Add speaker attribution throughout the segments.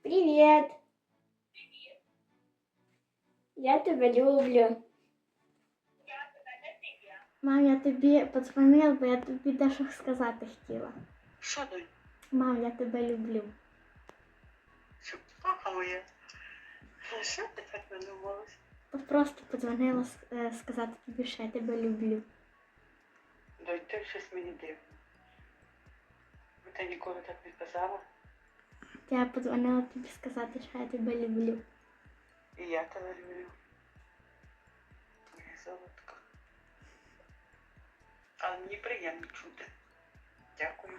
Speaker 1: Привет. Я тебе люблю. Мам, я тобі подзвонила, бо я тобі дещо сказати хотіла.
Speaker 2: Що, донь?
Speaker 1: Мам, я тебе люблю.
Speaker 2: Що, папа моя? Що ти так надумалась?
Speaker 1: Просто подзвонила сказати тобі, що я тебе люблю.
Speaker 2: Донь, ти щось мені дивно. Ти ніколи так не казала.
Speaker 1: Я подзвонила тобі сказати, що я тебе люблю.
Speaker 2: І я тебе люблю. Моя золотка. Але мені приємно чути. Дякую.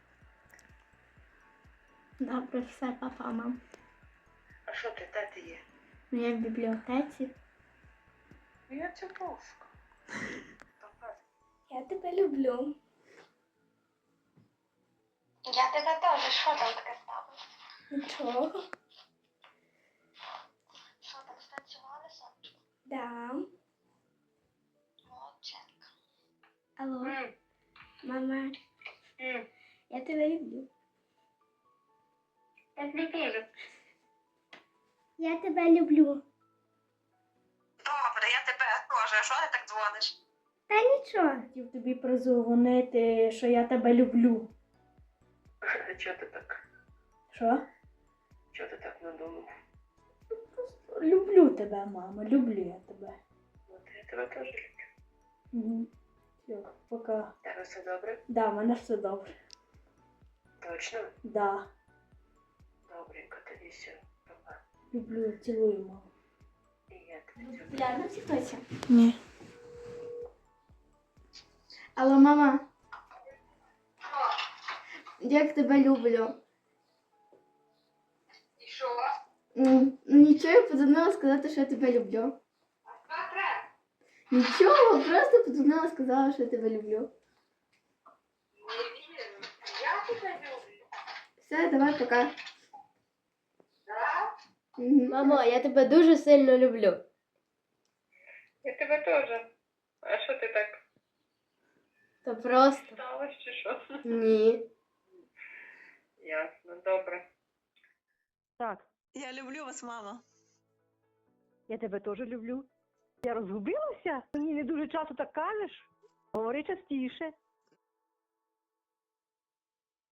Speaker 1: Добре, все, папа, мам.
Speaker 2: А що ти, де ти є?
Speaker 1: Ну, я в бібліотеці.
Speaker 2: Я цю плоску.
Speaker 1: Я тебе люблю.
Speaker 3: Я тебе теж. Що там таке сталося?
Speaker 1: Нічого.
Speaker 3: Що там, станцювалися?
Speaker 1: Да.
Speaker 3: Молодчинка.
Speaker 1: Алло, мама, я тебе люблю.
Speaker 2: Я тебе теж.
Speaker 1: Я тебе люблю.
Speaker 2: Добре, я тебе теж. А що ти так дзвониш?
Speaker 1: Та нічого. Хотів тобі прозвонити, що я тебе люблю.
Speaker 2: А чого ти так?
Speaker 1: Що?
Speaker 2: Чого ти так надумав?
Speaker 1: Люблю тебе, мама, люблю я тебе.
Speaker 2: Ну, я тебе теж люблю.
Speaker 1: Угу. Все, пока.
Speaker 2: Тебе все добре?
Speaker 1: Да, в мене все добре.
Speaker 2: Точно?
Speaker 1: Да.
Speaker 2: Добренько, тоді все. Папа.
Speaker 1: Люблю, цілую, маму.
Speaker 2: І я тебе люблю.
Speaker 1: Ляна втікайся.
Speaker 4: Ні.
Speaker 1: Алло, мама. Як тебе люблю.
Speaker 3: І що?
Speaker 1: Ну нічого, я подзвонила сказати, що я тебе люблю.
Speaker 3: Що треба?
Speaker 1: Нічого, просто подзвонила сказала, що я тебе люблю.
Speaker 3: Не вірю. Я тебе люблю.
Speaker 1: Все, давай, пока.
Speaker 3: Да?
Speaker 1: Угу.
Speaker 5: Мамо, я тебе дуже сильно люблю.
Speaker 2: Я тебе теж. А що ти так
Speaker 5: То просто.
Speaker 2: сталося чи що?
Speaker 5: Ні.
Speaker 2: Ясно, добре.
Speaker 6: Так,
Speaker 4: Я люблю вас, мама.
Speaker 6: я тебе теж люблю. Я розгубилася? Мені не дуже часто так кажеш. Говори частіше.